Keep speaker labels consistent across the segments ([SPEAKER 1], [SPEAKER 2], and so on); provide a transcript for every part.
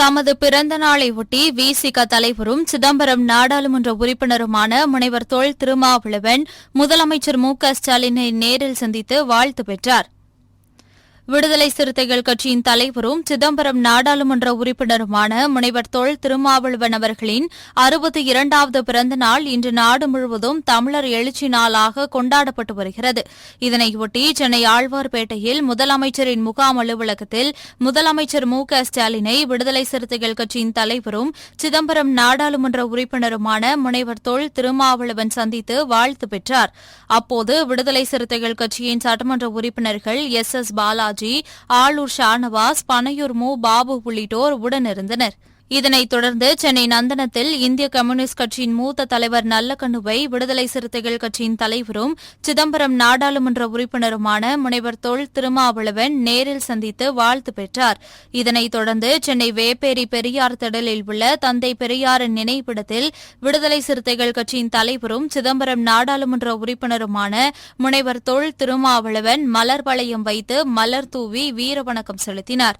[SPEAKER 1] தமது பிறந்த நாளை ஒட்டி விசிக தலைவரும் சிதம்பரம் நாடாளுமன்ற உறுப்பினருமான முனைவர் தொல் திருமாவளவன் முதலமைச்சர் மு.க.ஸ்டாலினை நேரில் சந்தித்து வாழ்த்து பெற்றார். விடுதலை சிறுத்தைகள் கட்சியின் தலைவரும் சிதம்பரம் நாடாளுமன்ற உறுப்பினருமான முனைவர் தொல் திருமாவளவன் அவர்களின் 62வது பிறந்த நாள் இன்று நாடு முழுவதும் தமிழர் எழுச்சி நாளாக கொண்டாடப்பட்டு வருகிறது. இதனையொட்டி சென்னை ஆழ்வார்பேட்டையில் முதலமைச்சரின் முகாம் அலுவலகத்தில் முதலமைச்சர் மு.க.ஸ்டாலினை விடுதலை சிறுத்தைகள் கட்சியின் தலைவரும் சிதம்பரம் நாடாளுமன்ற உறுப்பினருமான முனைவர் தொல் திருமாவளவன் சந்தித்து வாழ்த்து பெற்றார். அப்போது விடுதலை சிறுத்தைகள் கட்சியின் சட்டமன்ற உறுப்பினர்கள் எஸ் பாலாஜி, ஆளூர் ஷானவாஸ், பனையூர் மு. பாபு உள்ளிட்டோர் உடனிருந்தனர். இதனைத் தொடர்ந்து சென்னை நந்தனத்தில் இந்திய கம்யூனிஸ்ட் கட்சியின் மூத்த தலைவர் நல்லக்கண்ணுவை விடுதலை சிறுத்தைகள் கட்சியின் தலைவரும் சிதம்பரம் நாடாளுமன்ற உறுப்பினருமான முனைவர் தொல் திருமாவளவன் நேரில் சந்தித்து வாழ்த்து பெற்றார். இதனைத் தொடர்ந்து சென்னை வேப்பேரி பெரியார் திடலில் உள்ள தந்தை பெரியாரின் நினைவிடத்தில் விடுதலை சிறுத்தைகள் கட்சியின் தலைவரும் சிதம்பரம் நாடாளுமன்ற உறுப்பினருமான முனைவர் தொல் திருமாவளவன் மலர் வளையம் வைத்து மலர் தூவி வீரவணக்கம் செலுத்தினார்.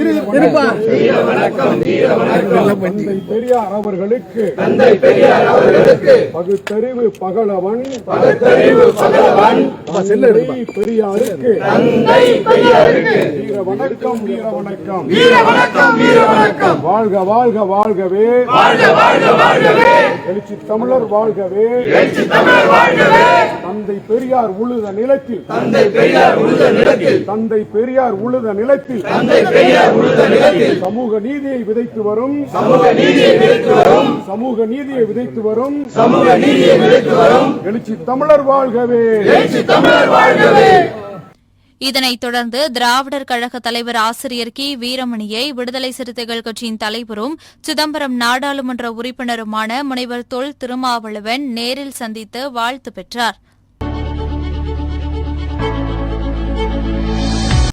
[SPEAKER 2] பெரியார் அவர்களுக்கு பகுத்தறிவு பகலவன் பெரியாருக்கு வீர வணக்கம் வீர வணக்கம் வாழ்க வாழ்க வாழ்கவே எழுச்சி தமிழர் வாழ்கவே தந்தை பெரியார் உழுத நிலத்தில் தந்தை பெரியார் உழுத நிலத்தில் சமூக நீதியை விதைத்து வரும் எழுச்சி தமிழர் வாழ்கவே.
[SPEAKER 1] இதனைத் தொடர்ந்து திராவிடர் கழக தலைவர் ஆசிரியர் கி. வீரமணியை விடுதலை சிறுத்தைகள் கட்சியின் தலைவரும் சிதம்பரம் நாடாளுமன்ற உறுப்பினருமான முனைவர் தொல் திருமாவளவன் நேரில் சந்தித்து வாழ்த்து பெற்றார்.